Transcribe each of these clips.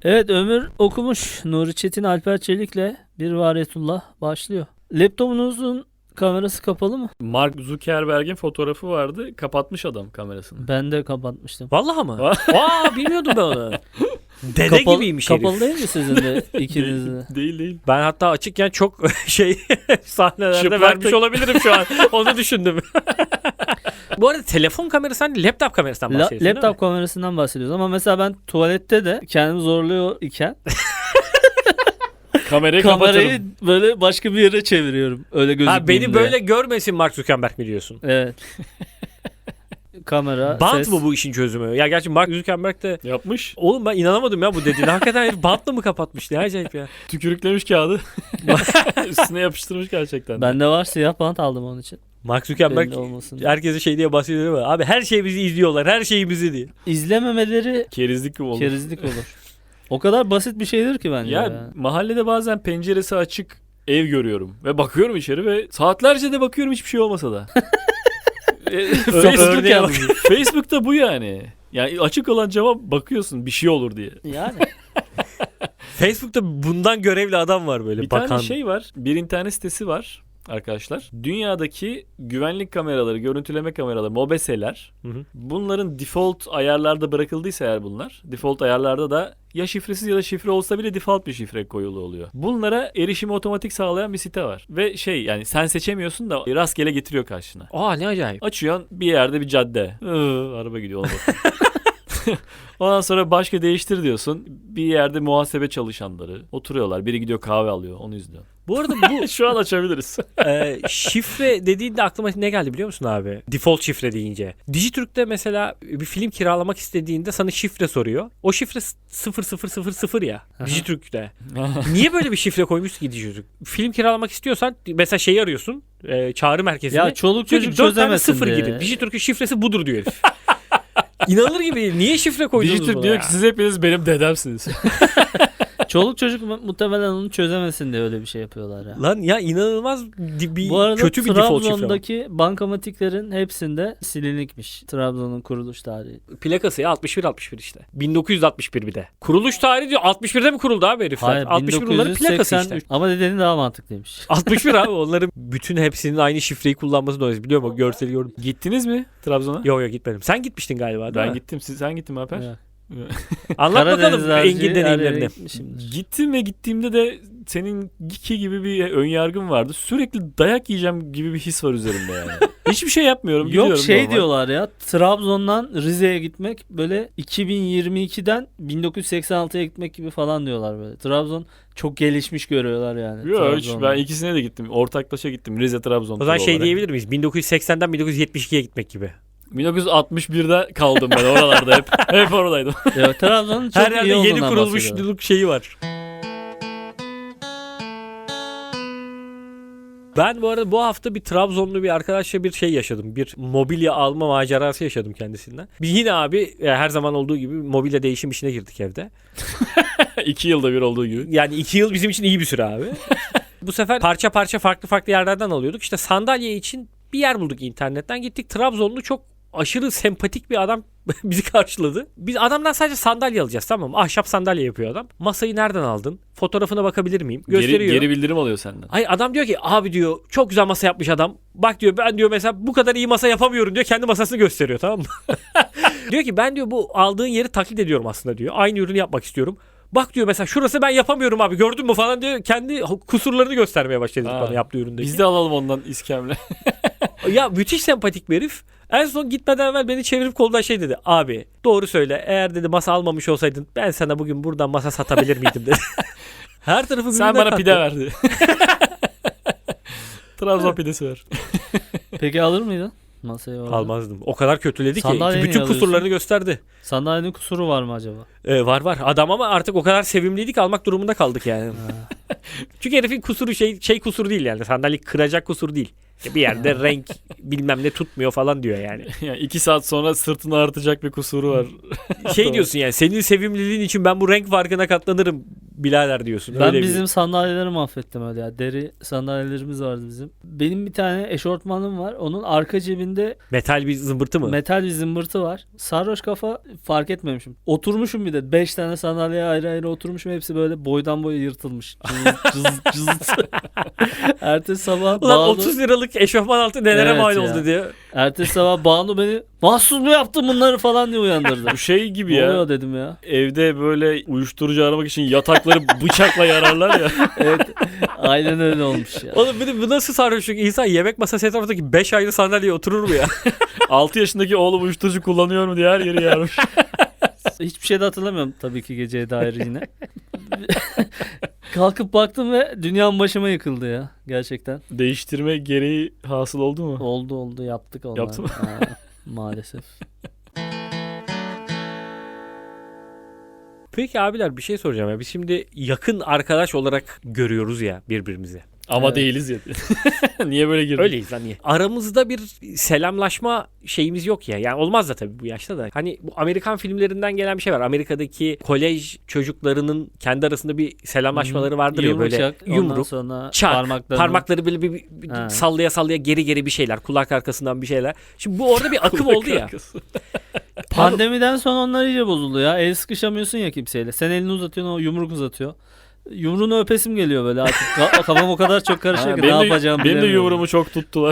Evet, Ömür okumuş. Nuri Çetin Alper Çelik'le Bir Variyetullah başlıyor. Laptopunuzun kamerası kapalı mı? Mark Zuckerberg'in fotoğrafı vardı. Kapatmış adam kamerasını. Ben de kapatmıştım. Vallahi mı? Bilmiyordum ben onu. Dede gibiymiş herif. Kapalı değil mi sizin de ikinizin de? Değil. Ben hatta açıkken çok sahnelerde Çıplak vermiş tek- olabilirim şu an. Onu düşündüm. Bu arada telefon kamerası hani laptop kamerasından bahsediyorsun değil mi? Laptop kamerasından bahsediyoruz ama mesela ben tuvalette de kendimi zorluyor iken Kamerayı kamerayı böyle başka bir yere çeviriyorum. Öyle gözükmeyeyim Ha, beni diye. böyle görmesin Mark Zuckerberg mi diyorsun? Evet. Kamera, Bant ses. mı bu işin çözümü? Ya gerçi Mark Zuckerberg de yapmış. oğlum ben inanamadım ya bu dediğine. Hakikaten herif bantla mı kapatmış? Ne acayip ya. Tükürüklemiş kağıdı. Üstüne yapıştırmış gerçekten. Bende var, siyah bant aldım onun için. Mark Zuckerberg Belli olmasın. herkese şey diye bahsediyor ama abi her şeyimizi izliyorlar. Her şeyimizi diye. İzlememeleri Kerizlik gibi oldu. kerizlik olur. O kadar basit bir şeydir ki bence. Ya mahallede bazen penceresi açık ev görüyorum. Ve bakıyorum içeri ve saatlerce de bakıyorum hiçbir şey olmasa da. Örneğe bak. Facebook'ta bu yani. Yani açık olan cama bakıyorsun bir şey olur diye. Yani. Facebook'ta bundan görevli adam var böyle Bir bakan. tane şey var. Bir internet sitesi var arkadaşlar. Dünyadaki güvenlik kameraları, görüntüleme kameraları, MOBESE'ler, Hı hı. bunların default ayarlarda bırakıldıysa eğer bunlar, default ayarlarda da ya şifresiz ya da şifre olsa bile default bir şifre koyulu oluyor. Bunlara erişimi otomatik sağlayan bir site var. Ve yani sen seçemiyorsun da rastgele getiriyor karşına. Aa ne acayip. Açıyorsun bir yerde bir cadde. Araba gidiyor ona bak. Ondan sonra başka değiştir diyorsun. Bir yerde muhasebe çalışanları oturuyorlar. Biri gidiyor kahve alıyor. Onu izliyor. Bu arada bu Şu an açabiliriz. şifre dediğinde aklıma ne geldi biliyor musun abi? Default şifre deyince. Dijitürk'te mesela bir film kiralamak istediğinde sana şifre soruyor. O şifre 0000 ya. Dijitürk'te. Niye böyle bir şifre koymuş ki Dijitürk? Film kiralamak istiyorsan mesela şeyi arıyorsun. Çağrı merkezini. Ya çoluk Diyor ki, çocuk 4 tane çözemesin sıfır diye. girin. Dijitürk'ün şifresi budur diyor herif. İnanılır gibi değil. Niye şifre koydunuz Dijitürk buna diyor ya? ki siz hepiniz benim dedemsiniz. Çoluk çocuk muhtemelen onu çözemesin diye öyle bir şey yapıyorlar ya. Lan ya inanılmaz bir Bu arada kötü bir default şifre var. Trabzon'daki bankamatiklerin hepsinde silinikmiş. Trabzon'un kuruluş tarihi. Plakası ya 61 işte. 1961 bir de. Kuruluş tarihi diyor 61'de mi kuruldu abi herifler? Hayır, 61 onların plakası 1983. işte. Ama dediğin daha mantıklıymış. 61 abi onların bütün hepsinin aynı şifreyi kullanması dolayısıyla biliyor musun? Görseli gördüm. Gittiniz mi Trabzon'a? Yok gitmedim. Sen gitmiştin galiba değil Ben mi? gittim. Sen gittin mi Alper? Evet. Anlat Karadeniz bakalım Engin harcı her yere deneyimlerini. gitmişimdir. Gittim ve gittiğimde de senin gibi bir ön yargım vardı. Sürekli dayak yiyeceğim gibi bir his var üzerimde yani. Hiçbir şey yapmıyorum. Yok gidiyorum şey normal. diyorlar ya, Trabzon'dan Rize'ye gitmek böyle 2022'den 1986'ya gitmek gibi falan diyorlar böyle. Trabzon çok gelişmiş görüyorlar yani. Yok hiç, Trabzon'da. ben ikisine de gittim. Ortaklaşa gittim. Rize Trabzon. O zaman turu şey olarak. diyebilir miyiz? 1980'den 1972'ye gitmek gibi. 1961'de kaldım ben oralarda hep. Hep oradaydım. Ya, Trabzon'un çok Her iyi yerde yeni olduğundan bahsediyorlar. kurulmuşluk şeyi var. Ben bu arada bu hafta bir Trabzonlu bir arkadaşla bir şey yaşadım. Bir mobilya alma macerası yaşadım kendisinden. Biz yine abi her zaman olduğu gibi mobilya değişim işine girdik evde. 2 yılda bir olduğu gibi. Yani 2 yıl bizim için iyi bir süre abi. Bu sefer parça parça farklı yerlerden alıyorduk. İşte sandalye için bir yer bulduk internetten. Gittik, Trabzonlu çok aşırı sempatik bir adam bizi karşıladı. Biz adamdan sadece sandalye alacağız, tamam mı? Ahşap sandalye yapıyor adam. Masayı nereden aldın? Fotoğrafına bakabilir miyim? Gösteriyor. Geri bildirim alıyor senden. Hayır, adam diyor ki abi diyor çok güzel masa yapmış adam. Bak diyor ben diyor mesela bu kadar iyi masa yapamıyorum diyor. Kendi masasını gösteriyor, tamam mı? Diyor ki ben diyor bu aldığın yeri taklit ediyorum aslında diyor. Aynı ürünü yapmak istiyorum. Bak diyor mesela şurası ben yapamıyorum abi, gördün mü falan diyor. Kendi kusurlarını göstermeye başladı bana yaptığı üründeki. Biz de alalım ondan iskemle. Ya müthiş sempatik bir herif. En son gitmeden evvel beni çevirip koldan şey dedi. Abi doğru söyle, eğer dedi masa almamış olsaydın ben sana bugün buradan masa satabilir miydim dedi. Her tarafı Sen birbirine bana kattı. pide verdi. Trabzon pidesi ver. Peki alır mıydın masayı orada? Almazdım. O kadar kötüledi ki Sandalyeyi bütün niye kusurlarını gösterdi. Sandalyenin kusuru var mı acaba? Var. Adam ama artık o kadar sevimliydik, almak durumunda kaldık yani. Çünkü herifin kusuru şey kusuru değil yani. Sandalye kıracak kusur değil. Bir yerde renk bilmem ne tutmuyor falan diyor yani. Yani 2 saat sonra sırtını artacak bir kusuru var. Şey diyorsun yani senin sevimliliğin için ben bu renk farkına katlanırım birader diyorsun. Ben Öyle bizim sandalyeleri mahvettim öyle ya. Deri sandalyelerimiz vardı bizim. Benim bir tane eşortmanım var. Onun arka cebinde metal bir zımbırtı mı? metal bir zımbırtı var. Sarhoş kafa fark etmemişim. Oturmuşum bir de. 5 tane sandalyeye ayrı ayrı oturmuşum. Hepsi böyle boydan boya yırtılmış. Cız. Ertesi sabah Ulan Banu, 30 liralık eşofman altı nelere Evet mal ya. oldu diyor. ertesi sabah Banu beni mahsus mu yaptın bunları falan diye uyandırdı. Bu şey gibi Ne ya. oluyor dedim ya. Evde böyle uyuşturucu aramak için yatakları bıçakla yararlar ya. Evet. Aynen öyle olmuş ya. Oğlum bir de bu nasıl sarhoşluk? İnsan yemek masası etrafındaki 5 ayrı sandalyeye oturur mu ya? 6 yaşındaki oğlum uyuşturucu kullanıyor mu diye her yeri yarmış. Hiçbir şey de hatırlamıyorum tabii ki geceye dair yine. Kalkıp baktım ve dünyam başıma yıkıldı ya. Gerçekten. Değiştirme gereği hasıl oldu mu? Oldu yaptık onlar. Yaptın mı? Ha, maalesef. Peki abiler bir şey soracağım ya. Biz şimdi yakın arkadaş olarak görüyoruz ya birbirimizi. Ama Evet. değiliz ya. Niye böyle girdin? Öyleyiz lan niye? Aramızda bir selamlaşma şeyimiz yok ya. Yani olmaz da tabii bu yaşta da. Hani bu Amerikan filmlerinden gelen bir şey var. Amerika'daki kolej çocuklarının kendi arasında bir selamlaşmaları vardır ya böyle Yumruk, ondan yumruk, sonra çak, parmaklarını. böyle bir Ha. sallaya geri bir şeyler. Kulak arkasından bir şeyler. Şimdi bu orada bir akım oldu ya. Pandemiden sonra onlar iyice bozuldu ya. El sıkışamıyorsun ya kimseyle. Sen elini uzatıyorsun, o yumruk uzatıyor. Yumruğunu öpesim geliyor böyle artık. Kafam o kadar çok karışıyor ki ne yapacağımı benim de bilemiyorum. yumruğumu çok tuttular.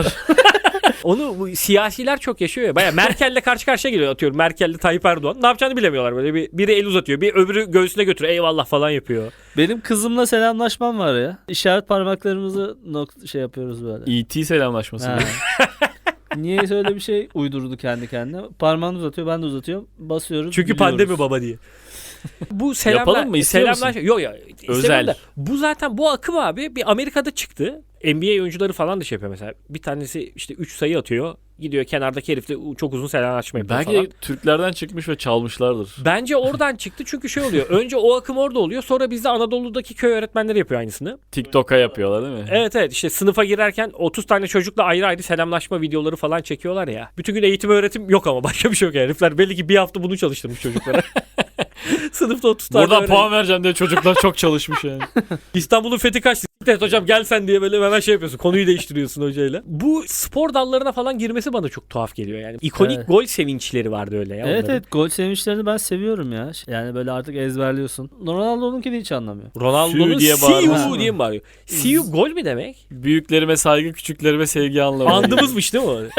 Onu bu siyasiler çok yaşıyor ya. Baya Merkel'le karşı karşıya geliyor atıyorum. Merkel'le Tayyip Erdoğan. Ne yapacağını bilemiyorlar böyle. Biri el uzatıyor. Bir öbürü göğsüne götürüyor. Eyvallah falan yapıyor. Benim kızımla selamlaşmam var ya. İşaret parmaklarımızı şey yapıyoruz böyle. E.T. selamlaşması. Ha. Niye öyle bir şey uydurdu kendi kendine? Parmağını uzatıyor, ben de uzatıyorum. Basıyoruz. Çünkü gülüyoruz. pandemi baba diye. Bu Yapalım mı? İstiyor musun? Yok ya. Özel. İstemiyorum da. Bu zaten bu akım abi bir Amerika'da çıktı. NBA oyuncuları falan da şey yapıyor mesela. Bir tanesi işte 3 sayı atıyor. Gidiyor kenardaki herifle çok uzun selamlaşma yapıyor Belki falan. de Türklerden çıkmış ve çalmışlardır. Bence oradan çıktı çünkü şey oluyor. Önce o akım orada oluyor. Sonra bizde Anadolu'daki köy öğretmenleri yapıyor aynısını. TikTok'a yapıyorlar değil mi? Evet işte sınıfa girerken 30 tane çocukla ayrı ayrı selamlaşma videoları falan çekiyorlar ya. Bütün gün eğitim öğretim yok ama başka bir şey yok yani. Herifler belli ki bir hafta bunu çalıştırmış çocuklara. Sınıfta 30 tane Buradan öğrenci. puan vereceğim diye çocuklar çok çalışmış yani. İstanbul'un fethi kaçtı. Evet hocam gel sen diye böyle hemen şey yapıyorsun. Konuyu değiştiriyorsun hocayla. Bu spor dallarına falan girmesi bana çok tuhaf geliyor yani. İkonik Evet. gol sevinçleri vardı öyle ya. Evet onların. evet, gol sevinçlerini ben seviyorum ya. Yani böyle artık ezberliyorsun. Ronaldo'nunkini hiç anlamıyor. Ronaldo'nun Sü diye see bağırması you mı? diye mi bağırıyor? See you gol mi demek? Büyüklerime saygı, küçüklerime sevgi anlamı. Andımızmış değil mi o?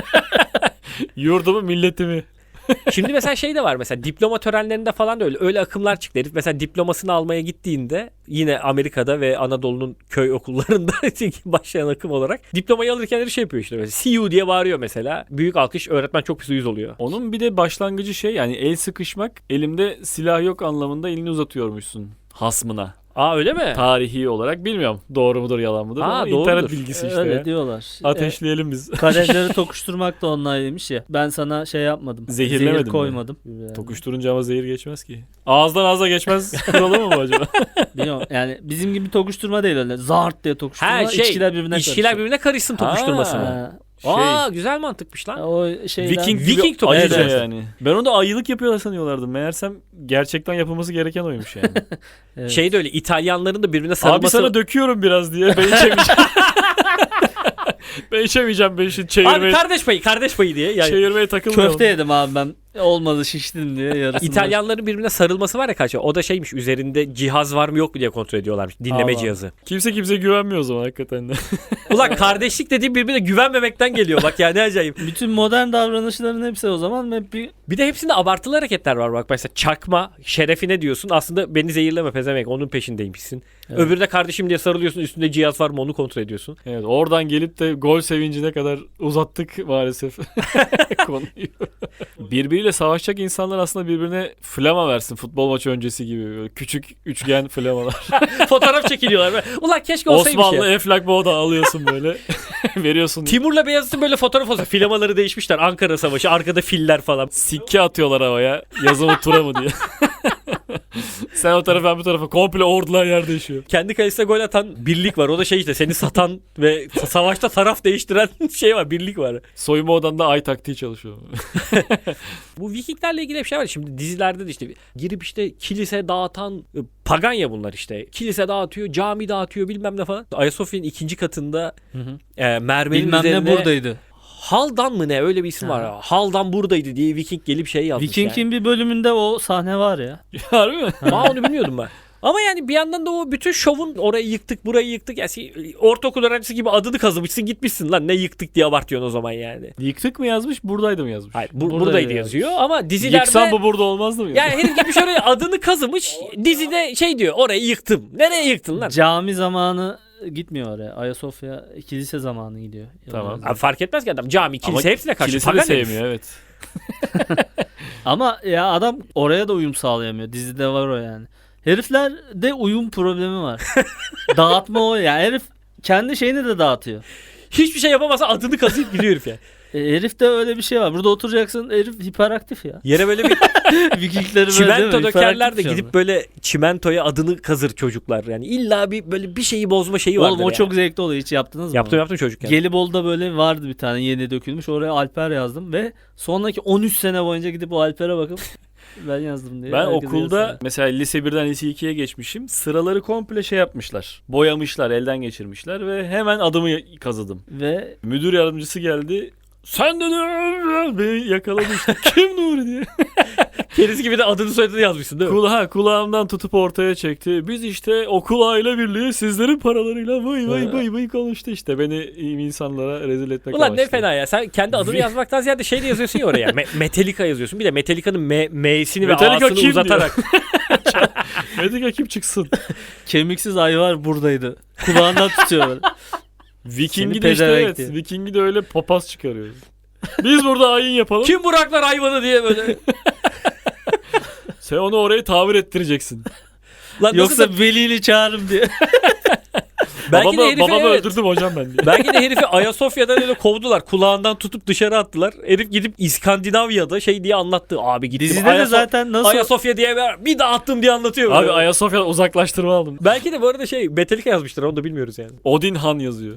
Yurdumu, milletimi. Şimdi mesela şey de var mesela diploma törenlerinde falan da öyle akımlar çıktı. Herif mesela diplomasını almaya gittiğinde yine Amerika'da ve Anadolu'nun köy okullarında başlayan akım olarak diplomayı alırken de şey yapıyor işte mesela see you diye bağırıyor mesela. Büyük alkış, öğretmen çok pis uyuz oluyor. Onun bir de başlangıcı şey yani el sıkışmak, elimde silah yok anlamında elini uzatıyormuşsun hasmına. Aa öyle mi? Tarihi olarak bilmiyorum doğru mudur yalan mıdır ama doğrudur. internet bilgisi işte. Öyle ya. diyorlar. Ateşleyelim biz. Kadehleri tokuşturmak da onlaylıymış ya. Ben sana şey yapmadım. Zehirlemedim Zehir mi? koymadım. Yani. Tokuşturunca ama zehir geçmez ki. Ağızdan ağza geçmez kuralı mı bu acaba? Bilmiyorum. Yani bizim gibi tokuşturma değil öyle. Zart diye tokuşturma. Ha şey içkiler birbirine içkiler karışıyor. birbirine karışsın tokuşturmasına. Ha, Aa güzel mantıkmış lan. o şeyden. Viking Viking gibi topu. ayıca Evet. yani. Ben onu da ayılık yapıyorlar sanıyorlardım. Meğersem gerçekten yapılması gereken oymuş yani. Evet. Şey de öyle İtalyanların da birbirine Abi sarılması. sana döküyorum biraz diye. Ben içemeyeceğim. Ben içemeyeceğim. Ben şimdi Abi kardeş payı diye. Yani çevirmeye takılmıyorum. Köfte yedim abi ben. Olmadı şiştim diye yarısını. İtalyanların birbirine sarılması var ya kaç. O da şeymiş üzerinde cihaz var mı yok mu diye kontrol ediyorlarmış. Dinleme Allah. cihazı. Kimse güvenmiyor o zaman hakikaten de. Ulan kardeşlik dediğim birbirine güvenmemekten geliyor bak ya ne acayip. Bütün modern davranışların hepsi o zaman hep bir Bir de hepsinde abartılı hareketler var bak. Mesela çakma şerefine diyorsun. Aslında beni zehirleme pezemek onun peşindeymişsin. Evet. Öbürü de kardeşim diye sarılıyorsun. Üstünde cihaz var mı onu kontrol ediyorsun. Evet, oradan gelip de gol sevincine kadar uzattık maalesef konuyu. Birbiriyle savaşacak insanlar aslında birbirine flama versin futbol maçı öncesi gibi. Böyle küçük üçgen flamalar. Fotoğraf çekiliyorlar. Böyle. Ulan keşke olsaymış Osmanlı ya. Eflak Boğda alıyorsun böyle. Veriyorsun. Timur'la Beyazıt'ın böyle fotoğraf olsa filamaları değişmişler. Ankara Savaşı arkada filler falan. Sikke atıyorlar havaya. Yazımı tura mı diye. Sen o tarafa ben bu tarafa. Komple ordular yer değişiyor. Kendi kalesine gol atan birlik var. O da şey işte seni satan ve savaşta taraf değiştiren şey var. Birlik var. Soyunma odanda ay taktiği çalışıyor. Bu Vikinglerle ilgili bir şey var. Şimdi dizilerde de işte girip işte kilise dağıtan pagan ya bunlar işte. Kilise dağıtıyor, cami dağıtıyor bilmem ne falan. Ayasofya'nın 2. katında mermerin Bilmem üzerine ne buradaydı. Haldan mı ne öyle bir isim var. Ha. Haldan buradaydı diye Viking gelip şey yazmış Viking'in yani. bir bölümünde o sahne var ya. Harbi mi? Aa, onu bilmiyordum ben. Ama yani bir yandan da o bütün şovun orayı yıktık burayı yıktık. Yani ortaokul öğrencisi gibi adını kazımışsın gitmişsin lan ne yıktık diye abartıyorsun o zaman yani. Yıktık mı yazmış, buradaydı mı yazmış? Hayır Buradaydı buradaydı yazıyor ama dizilerde... Yıksan bu burada olmazdı mı? Yani herif gitmiş oraya adını kazımış dizide şey diyor orayı yıktım. Nereye yıktın lan? Cami zamanı gitmiyor oraya. Ayasofya kilise zamanı gidiyor. Tamam. Abi fark etmez ki adam cami kilise hepsine karşı kilise de pagan herif. sevmiyor evet. Ama ya adam oraya da uyum sağlayamıyor. Dizide var o yani. Heriflerde uyum problemi var. Dağıtma o ya. Herif kendi şeyini de dağıtıyor. Hiçbir şey yapamasa adını kazıyıp gidiyor herif ya. Herifte öyle bir şey var. Burada oturacaksın herif hiperaktif ya. Yere böyle bir Vikingleri böyle değil çimento mi? dökerler de Hiperaktif şu gidip anda. böyle çimentoya adını kazır çocuklar. Yani illa bir böyle bir şeyi bozma şeyi vardır Oğlum o yani. çok zevkli oluyor. Hiç yaptınız mı? Yaptım çocukken. Gelibolu'da böyle vardı bir tane yeni dökülmüş. Oraya Alper yazdım ve sonraki 13 sene boyunca gidip o Alper'e bakıp ben yazdım diye. Ben herkese okulda yazdım. mesela lise 1'den lise 2'ye geçmişim. Sıraları komple şey yapmışlar. Boyamışlar, elden geçirmişler ve hemen adımı kazıdım. Ve Müdür yardımcısı geldi. Sen de beni yakaladı işte. Kim Nuri diye. Keriz gibi de adını soyadını yazmışsın değil mi? Kulağımdan tutup ortaya çekti. Biz işte okul aile birliği sizlerin paralarıyla vay konuştu işte. Beni iyi insanlara rezil etmek Ulan amaçlı. ne fena ya. Sen kendi adını yazmaktan ziyade şey de yazıyorsun ya oraya. Metallica yazıyorsun. Bir de Metallica'nın M'sini ve Metallica A'sını kim uzatarak. Metallica kim çıksın? kemiksiz ayvar buradaydı. Kulağından tutuyor böyle. Viking'i Seni de işte pezevenk evet. diyor. Viking'i de öyle papaz çıkarıyor. Biz burada ayin yapalım. Kim Buraklar hayvanı diye böyle. Sen onu orayı tamir ettireceksin. Lan nasıl Yoksa velini çağırırım diye. belki de herifi babamı evet. öldürdüm hocam ben diye. Belki de herifi Ayasofya'dan öyle kovdular. Kulağından tutup dışarı attılar. Herif gidip İskandinavya'da şey diye anlattı. Abi gittim Dizide de zaten nasıl Ayasofya diye bir daha attım diye anlatıyor. Abi böyle. Ayasofya'dan uzaklaştırma aldım. Belki de bu arada şey Metallica yazmışlar onu da bilmiyoruz yani. Odin Han yazıyor.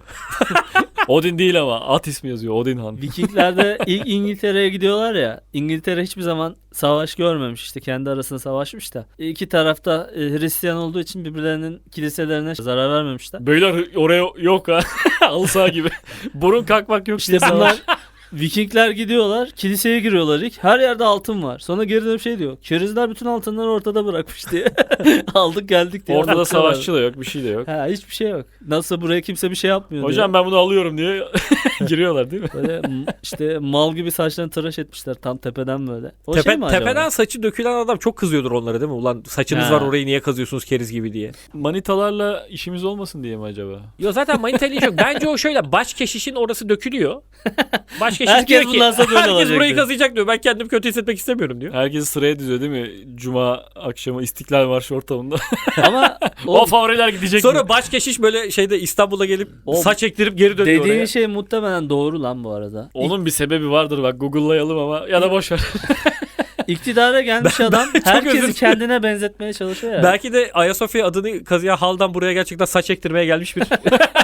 Odin değil ama at ismi yazıyor. Odin Han. Vikingler'de ilk İngiltere'ye gidiyorlar ya. İngiltere hiçbir zaman savaş görmemiş işte kendi arasında savaşmış da. İki tarafta Hristiyan olduğu için birbirlerinin kiliselerine zarar vermemişler. Beyler oraya yok ha. Alsa gibi. Burun kalkmak yok İşte diye bunlar savaş. Vikingler gidiyorlar, kiliseye giriyorlar ilk. Her yerde altın var. Sonra geri dönüp şey diyor. Kerizler bütün altınları ortada bırakmış diye. Aldık geldik diye. Ortada anlatıyorlar. savaşçı da yok. Bir şey de yok. Ha, hiçbir şey yok. Nasıl buraya kimse bir şey yapmıyor Hocam ben bunu alıyorum diye giriyorlar değil mi? diye. Böyle işte mal gibi saçlarını tıraş etmişler tam tepeden böyle. O şey mi acaba? Tepeden saçı dökülen adam çok kızıyordur onlara değil mi? Ulan saçınız Ha. var orayı niye kazıyorsunuz keriz gibi diye. Manitalarla işimiz olmasın diye mi acaba? Yo zaten manitayla iş yok. Bence o şöyle baş keşişin orası dökülüyor. Baş keşiş Herkes diyor ki bundan sonra böyle herkes olacak burayı diyor. kazıyacak diyor. Ben kendimi kötü hissetmek istemiyorum diyor. Herkesi sıraya diziyor değil mi? Cuma akşamı İstiklal Marşı ortamında. Ama O favoriler gidecek Sonra mi? baş keşiş böyle şeyde İstanbul'a gelip O- saç ektirip geri dönüyor dediğin oraya. şey muhtemelen doğru lan bu arada. Onun bir sebebi vardır bak Google'layalım ama ya da boş ver. İktidara gelmiş adam özür herkesi dilerim. kendine benzetmeye çalışıyor ya. Belki de Ayasofya adını kazıyan haldan buraya gerçekten saç ektirmeye gelmiş bir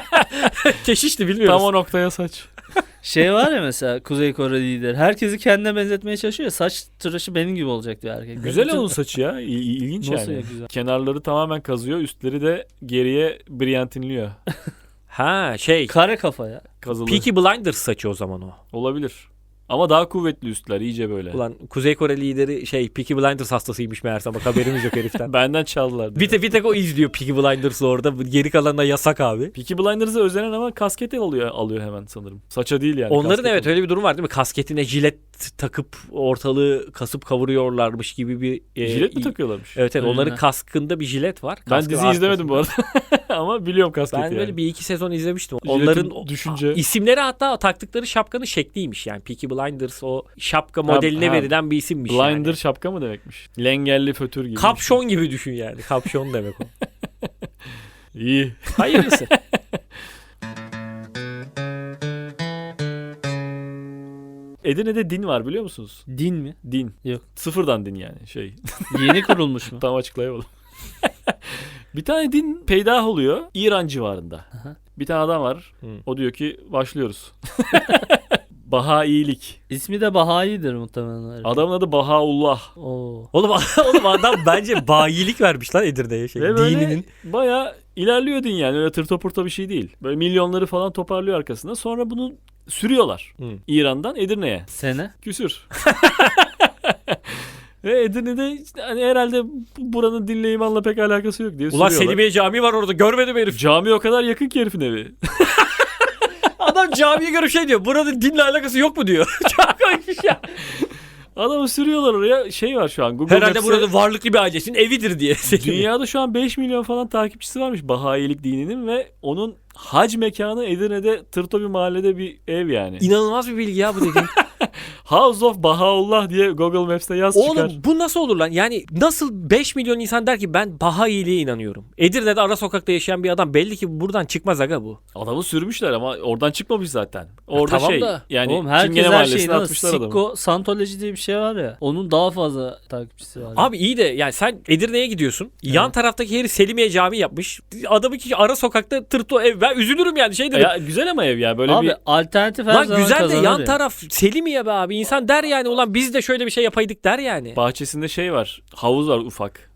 keşişti bilmiyoruz. Tam o noktaya saç. Şey var ya mesela Kuzey Kore lider. Herkesi kendine benzetmeye çalışıyor. Saç tıraşı benim gibi olacak diyor erkek. Güzel Bütün- onun saçı ya. İlginç Nasıl yani. ya güzel? Kenarları tamamen kazıyor. Üstleri de geriye brilyantinliyor. Ha şey Kare kafa ya. Kazılı. Peaky Blinders saçı o zaman o. Olabilir. Ama daha kuvvetli üstler iyice böyle. Ulan Kuzey Kore lideri şey Peaky Blinders hastasıymış meğerse bak haberimiz yok heriften. Benden çaldılar. bir tek o izliyor Peaky Blinders'ı orada. Geri kalanına yasak abi. Peaky Blinders'a özenen ama kasket alıyor hemen sanırım. Saça değil yani. Onların kasket evet alıyor. öyle bir durum var değil mi? Kasketine jilet takıp ortalığı kasıp kavuruyorlarmış gibi bir... Jilet mi takıyorlarmış? Evet Öyle onların mi? kaskında bir jilet var. Ben Kaskın dizi izlemedim bu arkasında. arada. Ama biliyorum kasketi Ben yani. böyle bir iki sezon izlemiştim. Jiletin Onların düşünce. isimleri hatta taktıkları şapkanın şekliymiş yani. Peaky Blinders o şapka modeline ha. verilen bir isimmiş Blinder yani. şapka mı demekmiş? Lengelli fötür gibi. Kapşon gibi düşün yani. Kapşon demek o. İyi. Hayırlısı. Edirne'de din var biliyor musunuz? Din mi? Din. Yok. Sıfırdan din yani şey. Yeni kurulmuş mu? Tam açıklayamadım. Bir tane din peydah oluyor İran civarında. Aha. Bir tane adam var. Hı. O diyor ki başlıyoruz. Bahailik. İsmi de Bahayi'dir muhtemelen. Adamın adı Bahaullah. Oo. Oğlum adam bence bayilik vermiş lan Edirne'ye şey. Ve böyle Dininin. bayağı ilerliyor din yani. Öyle tırta pırta bir şey değil. Böyle milyonları falan toparlıyor arkasında. Sonra bunu sürüyorlar. Hı. İran'dan Edirne'ye. Sene? Küsür. Ve Edirne'de işte hani herhalde buranın dinle imanla pek alakası yok diye Ulan sürüyorlar. Selimiye Camii var orada görmedim herif. Cami o kadar yakın ki herifin evi. Adam camiye görüp şey diyor. Buranın dinle alakası yok mu diyor. Çok koymuş ya. Adamı sürüyorlar oraya. Şey var şu an. Google Herhalde Maps'te burada varlıklı bir ailesinin evidir diye. dünyada şu an 5 milyon falan takipçisi varmış Bahailik dininin ve onun hac mekanı Edirne'de tırto bir mahallede bir ev yani. İnanılmaz bir bilgi ya bu dediğin. House of Bahaullah diye Google Maps'te yaz çıkar. Oğlum bu nasıl olur lan? Yani nasıl 5 milyon insan der ki ben Bahailiğe inanıyorum. Edirne'de ara sokakta yaşayan bir adam belli ki buradan çıkmaz aga bu. Adamı sürmüşler ama oradan çıkmamış zaten. Orada tamam şey da. yani Oğlum herkes Çingene her Mahallesi'ne şeyi inanır. atmışlar adamı. Sikko Santoloji diye bir şey var ya. Onun daha fazla takipçisi var. Abi iyi de yani sen Edirne'ye gidiyorsun. Yan taraftaki herif Selimiye Camii yapmış. Adamı ki ara sokakta tırto ev. Ben üzülürüm yani şey derim. Ya güzel ama ev ya böyle Abi bir alternatif her Lan zaman güzel de kazanır yan ya. taraf Selimiye be abi. İnsan der yani ulan biz de şöyle bir şey yapaydık der yani. bahçesinde şey var. Havuz var ufak.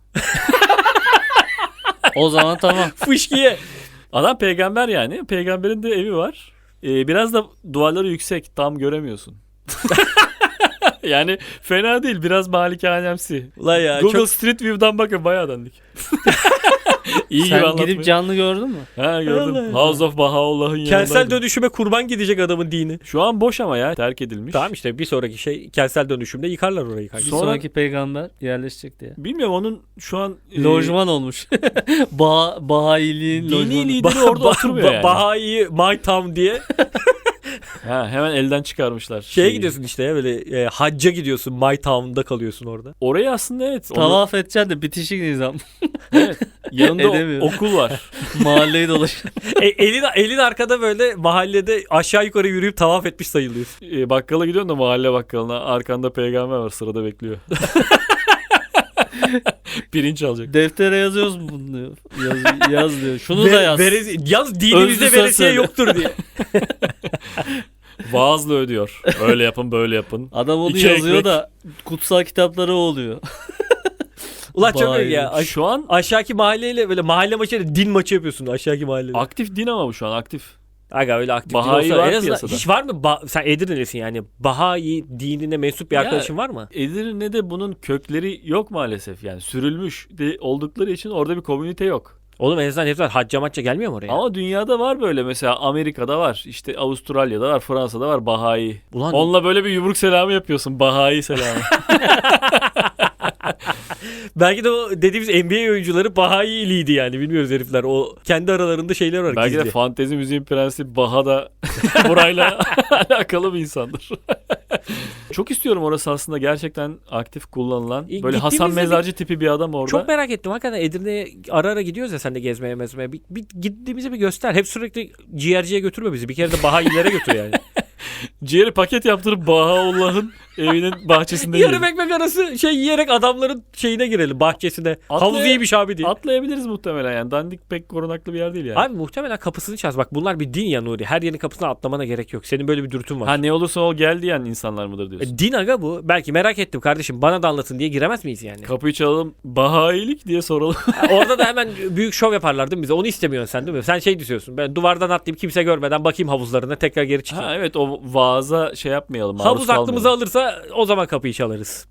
O zaman tamam. Fışkiye. Adam peygamber yani. Peygamberin de evi var. Biraz da duvarları yüksek. Tam göremiyorsun. Yani fena değil. Biraz malikanemsi. Ulan ya Google çok... Street View'dan bakın bayağı dandik. İyi gibi Sen anlatmayı. gidip canlı gördün mü? Ha gördüm. Allah House of Bahaullah'ın yanındaydım. Kentsel dönüşüme kurban gidecek adamın dini. Şu an boş ama ya. Terk edilmiş. Tamam işte bir sonraki şey kentsel dönüşümde yıkarlar orayı. Bir kanka. Sonra- sonraki peygamber yerleşecek diye. Bilmiyorum onun şu an Lojman olmuş. Bahayiliğin dini lojmanı. lideri orada oturmuyor yani. Bahai My Town diye Ha, hemen elden çıkarmışlar. şeye şeyi. gidiyorsun işte ya böyle hacca gidiyorsun My Town'da kalıyorsun orada. Orayı aslında evet. Tavaf edeceksin de bitişik nizam. Evet. Yanında Edemiyor. okul var. Mahalleyi dolaş. Elin arkada böyle mahallede aşağı yukarı yürüyüp tavaf etmiş sayılıyorsun. Bakkala gidiyorsun da mahalle bakkalına. Arkanda peygamber var sırada bekliyor. Pirinç alacak. Deftere yazıyoruz mu bunu diyor. Yaz diyor. Şunu da yaz. Yalnız dinimizde Özlü veresiye söz yoktur diye. Vaazla ödüyor. Öyle yapın böyle yapın. Adam onu İki yazıyor ekmek. da kutsal kitapları o oluyor. Ulan çok Vay. iyi ya. Şu an Aşağıki mahalleyle böyle mahalle maçıyla din maçı yapıyorsun aşağıki mahallede. aktif din ama bu şu an aktif. Aga öyle aktif Bahai din olsa var en azından piyasada. hiç var mı? Sen Edirne'lisin yani. Bahai dinine mensup bir Ya, arkadaşın var mı? Edirne'de bunun kökleri yok maalesef. Yani sürülmüş de oldukları için orada bir komünite yok. Oğlum en azından hepsi hacca macca gelmiyor mu oraya? Ama dünyada var böyle mesela Amerika'da var. İşte Avustralya'da var, Fransa'da var Bahai. Ulan Onunla böyle bir yumruk selamı yapıyorsun. Bahai selamı. belki de o dediğimiz NBA oyuncuları Bahailiydi yani bilmiyoruz herifler. O kendi aralarında şeyler var Belki gizli. de fantezi müziğin prensi Baha da burayla alakalı bir insandır. Çok istiyorum orası aslında gerçekten aktif kullanılan. Böyle Hasan Gittiğimizde Mezarcı tipi bir adam orada. Çok merak ettim hakikaten Edirne'ye ara ara gidiyoruz ya sen de gezmeye mezmeye. Bir gittiğimizi bir göster. Hep sürekli ciğerciye götürme bizi. Bir kere de Bahailere götür yani. Ciğeri paket yaptırıp Bahaullah'ın evinin bahçesinde Yarım yiyelim. ekmek arası şey yiyerek adamların şeyine girelim bahçesine. Havuz iyiymiş abi diye. Atlayabiliriz muhtemelen yani. Dandik pek korunaklı bir yer değil yani. Abi muhtemelen kapısını çaz. Bak bunlar bir din ya Nuri. Her yerin kapısına atlamana gerek yok. Senin böyle bir dürtün var. Ha ne olursa ol gel diyen insanlar mıdır diyorsun. Din aga bu. Belki merak ettim kardeşim bana da anlatın diye giremez miyiz yani? Kapıyı çalalım Bahailik diye soralım. Orada da hemen büyük şov yaparlar değil mi bize? Onu istemiyorsun sen değil mi? Sen şey diyorsun. Ben duvardan atlayıp kimse görmeden bakayım havuzlarına tekrar geri çıkayım. Ha evet o vaaza şey yapmayalım. maruz Havuz aklımızı kalmayalım. alırsa o zaman kapıyı çalarız.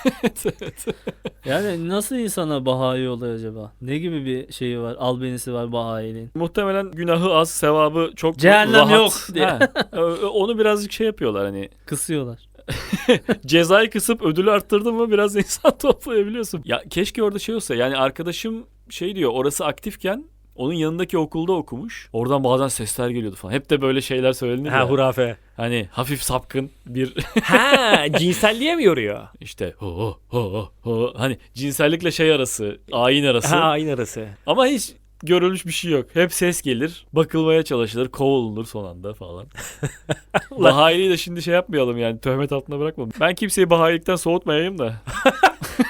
Yani nasıl insana Bahayi oluyor acaba? Ne gibi bir şeyi var? Albenisi var Bahayiliğin. Muhtemelen günahı az, sevabı çok Cehennem rahat. yok diye. Ha, onu birazcık şey yapıyorlar hani. Kısıyorlar. Cezayı kısıp ödülü arttırdın mı biraz insan toplayabiliyorsun. Ya keşke orada şey olsa yani arkadaşım şey diyor orası aktifken onun yanındaki okulda okumuş. Oradan bazen sesler geliyordu falan. Hep de böyle şeyler söylenir Ha ya. hurafe. Hani hafif sapkın bir Ha cinselliğe mi yoruyor? işte ho ho ho hani cinsellikle şey arası, ayin arası. Ha aynı arası. Ama hiç görülmüş bir şey yok. Hep ses gelir, bakılmaya çalışılır, kovulunur son anda falan. Bahayiliği de şimdi şey yapmayalım yani töhmet altına bırakmayalım. Ben kimseyi bahayilikten soğutmayayım da.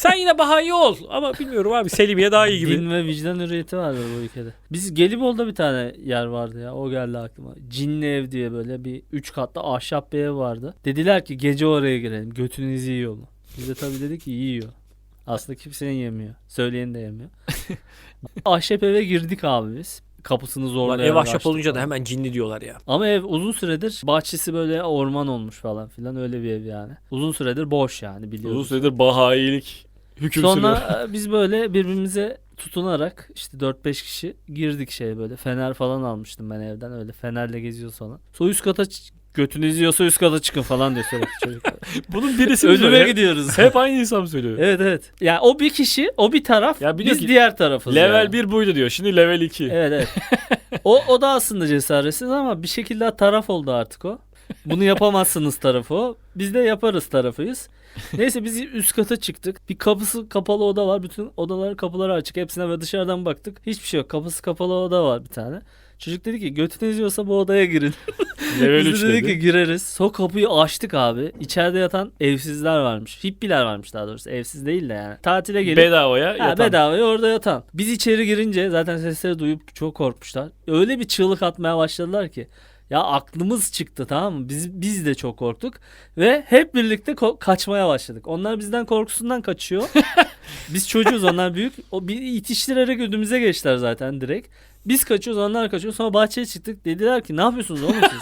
Sen yine Bahayi ol. Ama bilmiyorum abi, Selimiye daha iyi gibi. Din ve vicdan hürriyeti vardı bu ülkede. Biz Gelibolu'da bir tane yer vardı ya. O geldi aklıma. Cinli ev diye böyle bir 3 katlı ahşap bir ev vardı. Dediler ki gece oraya girelim. Götünüzü yiyor mu? Biz de tabii dedik ki yiyor. Aslında kimsenin yemiyor. Söyleyen de yemiyor. Ahşap eve girdik abi biz. Kapısını Ulan zorlayarak ev ahşap açtık olunca da falan. hemen cinli diyorlar ya. Ama ev uzun süredir bahçesi böyle orman olmuş falan filan, öyle bir ev yani. Uzun süredir boş yani, biliyoruz. Uzun süredir Bahayilik hüküm sürüyor. Sonra biz böyle birbirimize tutunarak işte 4-5 kişi girdik böyle. Fener falan almıştım ben evden, öyle fenerle geziyoruz falan. Sonra üst kata götünüz yiyorsa üst kata çıkın falan diyor sürekli çocuklar. Bunun birisi Ölüme hep, gidiyoruz. hep aynı insan söylüyor. Evet evet. Yani o bir kişi, o bir taraf, Ya biliyor biz ki diğer tarafız Level yani. 1 buydu diyor. Şimdi level 2. Evet evet. O da aslında cesaretsiz ama bir şekilde taraf oldu artık o. Bunu yapamazsınız tarafı o. Biz de yaparız tarafıyız. Neyse biz üst kata çıktık. Bir kapısı kapalı oda var. Bütün odaların kapıları açık. Hepsine ve dışarıdan baktık. Hiçbir şey yok. Kapısı kapalı oda var bir tane. Çocuk dedi ki götünüz yiyorsa bu odaya girin. Level Biz 3 de dedik dedi. ki gireriz. Sonra kapıyı açtık abi. İçeride yatan evsizler varmış. Hippiler varmış daha doğrusu. Evsiz değil de yani. Tatile gelip Bedavaya ha, yatan. bedavaya orada yatan. Biz içeri girince zaten sesleri duyup çok korkmuşlar. Öyle bir çığlık atmaya başladılar ki. Ya aklımız çıktı, tamam mı? Biz de çok korktuk. Ve hep birlikte kaçmaya başladık. Onlar bizden korkusundan kaçıyor. Biz çocuğuz, onlar büyük. O bir itiştirerek ödümüze geçtiler zaten direkt. Biz kaçıyoruz, onlar kaçıyor. Sonra bahçeye çıktık. Dediler ki ne yapıyorsunuz oğlum siz?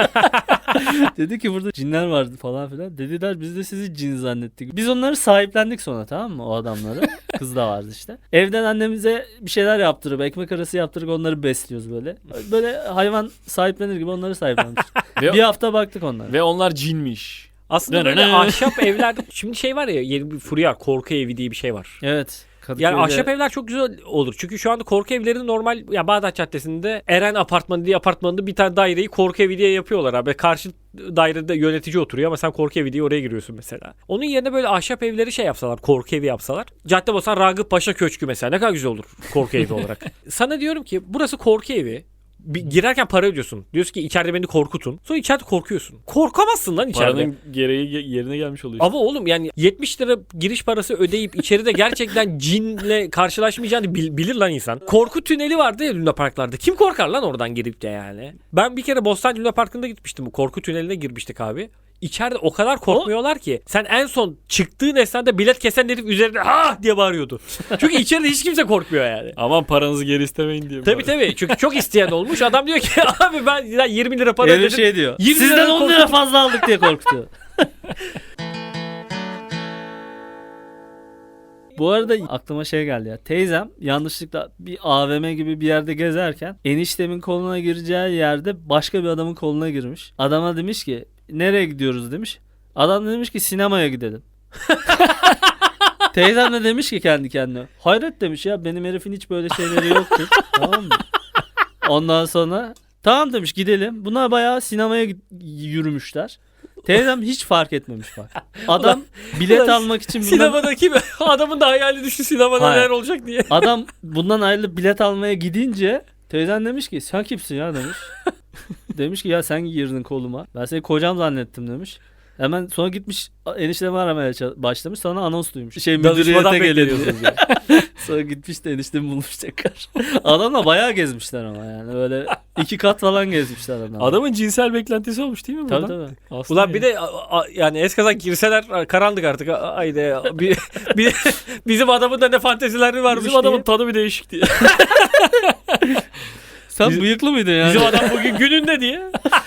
Dedi ki burada cinler vardı falan filan. Dediler biz de sizi cin zannettik. Biz onları sahiplendik sonra, tamam mı, o adamları. Kız da vardı işte. Evden annemize bir şeyler yaptırıp ekmek arası yaptırıp onları besliyoruz böyle. Böyle hayvan sahiplenir gibi onları sahiplenmiş. Ve, Bir hafta baktık onlara. ve onlar cinmiş. Aslında böyle ahşap evler, şimdi şey var ya, yeni bir furya, korku evi diye bir şey var. Evet. Yani Kadıköy'de- ahşap evler çok güzel olur. Çünkü şu anda korku evleri normal, ya Bağdat Caddesi'nde Eren Apartmanı diye apartmanında bir tane daireyi korku evi diye yapıyorlar abi. Karşı dairede yönetici oturuyor ama sen korku evi diye oraya giriyorsun mesela. Onun yerine böyle ahşap evleri şey yapsalar, korku evi yapsalar. Caddebostan Ragıp Paşa Köşkü mesela ne kadar güzel olur korku evi olarak. Sana diyorum ki burası korku evi. Girerken para ödüyorsun. Diyorsun ki içeride beni korkutun. Sonra içeride korkuyorsun. Korkamazsın lan içeride. Paranın gereği yerine gelmiş oluyor. Ama oğlum yani 70 lira giriş parası ödeyip içeride gerçekten cinle karşılaşmayacağını bilir lan insan. Korku tüneli vardı ya Luna Parklarda. Kim korkar lan oradan girip de yani? Ben bir kere Bostancı Luna Parkı'nda gitmiştim. Bu korku tüneline girmiştik abi. İçeride o kadar korkmuyorlar ki. Sen en son çıktığın esnada bilet kesen herif üzerinde ha diye bağırıyordu. Çünkü içeride hiç kimse korkmuyor yani. Aman paranızı geri istemeyin diye. Tabii tabii. Çünkü çok isteyen olmuş. Adam diyor ki abi ben 20 lira para Herif ödedim. şey diyor. 20 Sizden liradan 10 lira fazla aldık diye korkutuyor. Bu arada aklıma şey geldi ya. Teyzem yanlışlıkla bir AVM gibi bir yerde gezerken eniştemin koluna gireceği yerde başka bir adamın koluna girmiş. Adama demiş ki nereye gidiyoruz demiş. Adam da demiş ki sinemaya gidelim. Teyzem de demiş ki kendi kendine. Hayret demiş ya, benim herifin hiç böyle şeyleri yoktu. Tamam mı? Ondan sonra tamam demiş gidelim. Bunlar bayağı sinemaya yürümüşler. Teyzem hiç fark etmemiş bak. Adam bilet ulan almak için Sinemadaki adamın da hayali düştü sinemada Hayır. neler olacak diye. adam bundan ayrılıp bilet almaya gidince teyzem demiş ki sen kimsin ya demiş. Demiş ki ya sen girdin koluma. Ben seni kocam zannettim demiş. Hemen sonra gitmiş eniştemi aramaya başlamış. Sonra anons duymuş. Danışmadan Müdüriyete geliyor. bekleniyorsunuz ya. Sonra gitmiş de eniştemi bulmuş tekrar. Adamla bayağı gezmişler ama yani. Böyle 2 kat falan gezmişler adamla. Adamın cinsel beklentisi olmuş değil mi Tabii buradan? tabii. Aslında Ulan bir de yani eskaza girseler karanlık artık. Haydi bizim adamın da ne fantezileri varmış bizim adamın diye. tadı bir değişik diye. Sen bıyıklı mıydın yani? Bizim adam bugün gününde diye.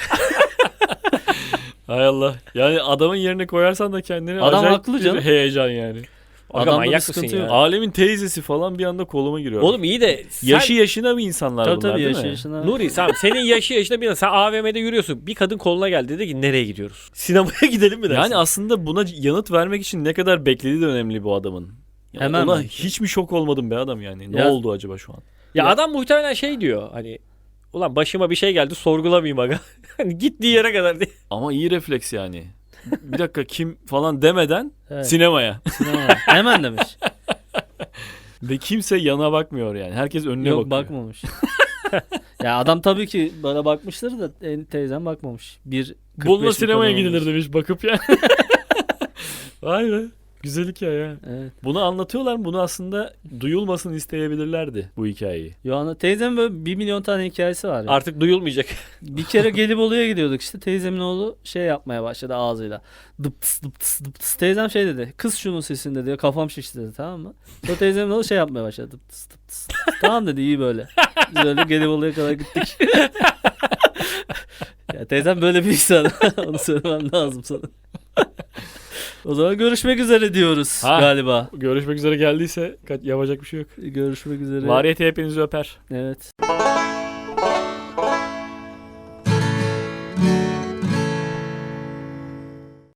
Hay Allah. Yani adamın yerine koyarsan da kendini Adam acayip haklı bir canım. heyecan yani. Aga Adamda manyak bir mısın sıkıntı ya? yok. Alemin teyzesi falan bir anda koluma giriyor. Oğlum iyi de sen, yaşı yaşına bir insanlar Tabii bunlar tabii değil yaşı mi? yaşına. Nuri senin yaşı yaşında bir sen AVM'de yürüyorsun. Bir kadın koluna geldi dedi ki nereye gidiyoruz? Sinemaya gidelim mi dersin? Yani aslında buna yanıt vermek için ne kadar beklediği de önemli bu adamın. Yani Hemen ona bence. hiç mi şok olmadım be adam yani? Ne Ya- oldu acaba şu an? ya adam muhtemelen şey diyor hani ulan başıma bir şey geldi sorgulamayayım aga. Hani gittiği yere kadar diye. Ama iyi refleks yani. Bir dakika kim falan demeden Evet. sinemaya. Sinema. Hemen demiş. Ve kimse yana bakmıyor yani. Herkes önüne Yok bakıyor. bakmamış. Ya adam tabii ki bana bakmıştır da teyzem bakmamış. Bununla sinemaya gidilir gidilir. demiş bakıp yani. Vay be. Güzel hikaye ya. Evet. Bunu anlatıyorlar mı? Bunu aslında duyulmasını isteyebilirlerdi bu hikayeyi. Yohana teyzemin böyle 1 milyon tane hikayesi var ya. Artık duyulmayacak. Bir kere Gelibolu'ya gidiyorduk işte. Teyzemin oğlu şey yapmaya başladı ağzıyla. Dıptıs dıptıs dıptıs. Teyzem şey dedi. Kız şunun sesini dedi. Kafam şişti dedi, tamam mı? Sonra teyzemin oğlu şey yapmaya başladı. Dıptıs dıptıs. Tamam dedi, iyi böyle. Biz öyle Gelibolu'ya kadar gittik. Ya teyzem böyle bir insan. Onu söylemem lazım sana. O zaman görüşmek üzere diyoruz Ha. galiba. Görüşmek üzere geldiyse yapacak bir şey yok. Görüşmek üzere. Variyete hepinizi öper. Evet.